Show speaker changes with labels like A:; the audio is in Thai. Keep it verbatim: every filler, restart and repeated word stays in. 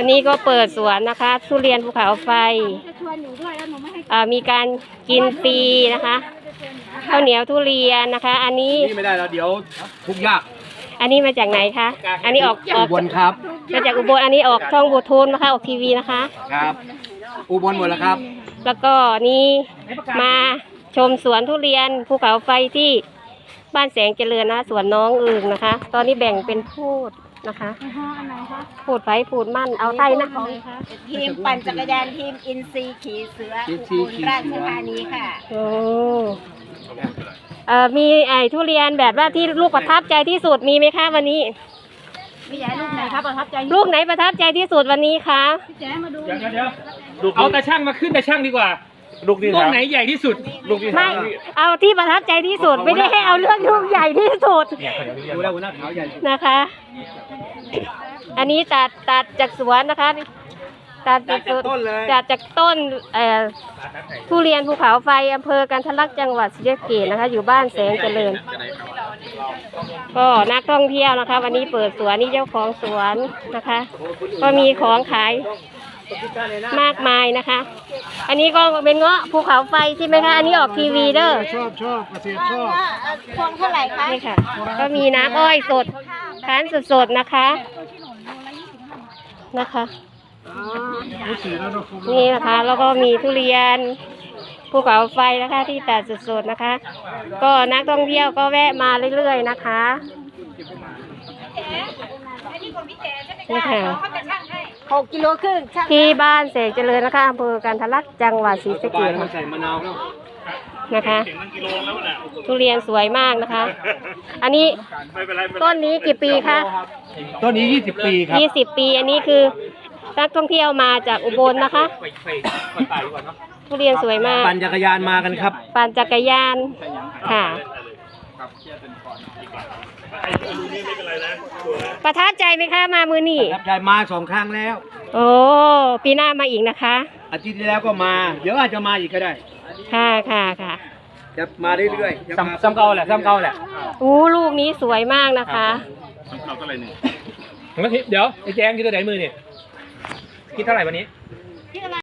A: วันนี้ก็เปิดสวนนะคะทุเรียนภูเขาไฟมีการกินฟรีนะคะข้าวเหนียวทุเรียนนะคะอันนี้
B: ไม่ได้แล้วเดี๋ยวทุกยาก
A: อันนี้มาจากไหนคะอันนี้ออกออก
B: อุบลครับ
A: มาจากอุบลอันนี้ออกช่องบูทูนนะคะออกทีวีนะคะ
B: ครับอุบลหมดแล้วครับ
A: แล้วก็นี่มาชมสวนทุเรียนภูเขาไฟที่บ้านแสงเจริญนะสวนน้องอึ่งนะคะตอนนี้แบ่งเป็นพูดนะคะพูดไฟพูดมั่นเอาไทยนะ
C: ทีมปั่นจักรยานทีมอินซีขี่เสืออุบลราชธานีค่ะ
A: โอ้เอ่อมีไอ้ทุเรียนแบบว่าที่ลูกประทับใจที่สุดมีไหมคะวันนี้
C: มีใหญ่ลูกไหนครับประทับใจ
A: ลูกไหนประทับใจที่สุดวันนี้คะ
C: พี่แจ๊มาดู
D: เดี๋ยวเดี๋ยวเอาตาช่างมาขึ้นตาช่างดีกว่าลูกนี้ลูกไหนใหญ่ที่สุดลูกที่
A: ไม่เอาที่ประทับใจที่สุดไม่ได้ให้เอาเรื่องลูกใหญ่ที่สุด
B: ดูแล้วหัวหน้าขาวใหญ่
A: นะคะอันนี้ตัดตัดจากสวนนะคะตัดจากต้นเลยตัดจากต้นเอ่อทุเรียนภูเขาไฟอำเภอกันทะลักจังหวัดศรีสะเกษนะคะอยู่บ้านแสงเจริญก็นักท่องเที่ยวนะคะวันนี้เปิดสวนนี่เจ้าของสวนนะคะก็มีของขายมากมายนะคะอันนี้ก็เป็นเงาะภูเขาไฟใช่ไหมคะอันนี้ออกทีวีเด้อ
B: ชอบชอบเกษตรชอบ
C: พวงเท่าไหร่คะ
A: นี่ค่ะก็มีน้ำอ้อยสดคั้นสดๆนะคะนะคะนี่นะคะแล้วก็มีทุเรียนภูเขาไฟนะคะที่ตัดสดๆนะคะก็นักท่องเที่ยวก็แวะมาเรื่อยๆนะคะนี่ค่ะ
C: หกกิโลครึ่ง
A: ที่บ้านแสงเจริญนะคะอำเภอกันทะลักจังหวัดศรีสะเกษนะคะทุเรียนสวยมากนะคะอันนี้ต้นนี้กี่ปีคะ
B: ต้นนี้ยี่สิบปีครับ
A: ยี่สิบปีอันนี้คือนักท่องเที่ยวมาจากอุบลนะคะทุเรียนสวยมาก
B: ปั่นจักรยานมากันครับ
A: ปั่นจักรยานค่ะประทับใจไหมคะมามือนี่
B: ประทับใจมาสองครั้งแล้ว
A: โอ้ปีหน้ามาอีกนะคะ
B: อาทิตย์ที่แล้วก็มาเดี๋ยวอาจจะมาอีกก็ได้
A: ค่ะค่ะค่ะ
B: จะมาเรื่อย
D: ๆซ้ำเก่าแหละซ้ำเก่าแหละ
A: อู้ลูกนี้สวยมากนะคะ
D: ซ้ำเก่าเท่าไหร่หนึ่งเดี๋ยวไอ้แจงคิดตัวไหนมือเนี่ยคิดเท่าไหร่วันนี้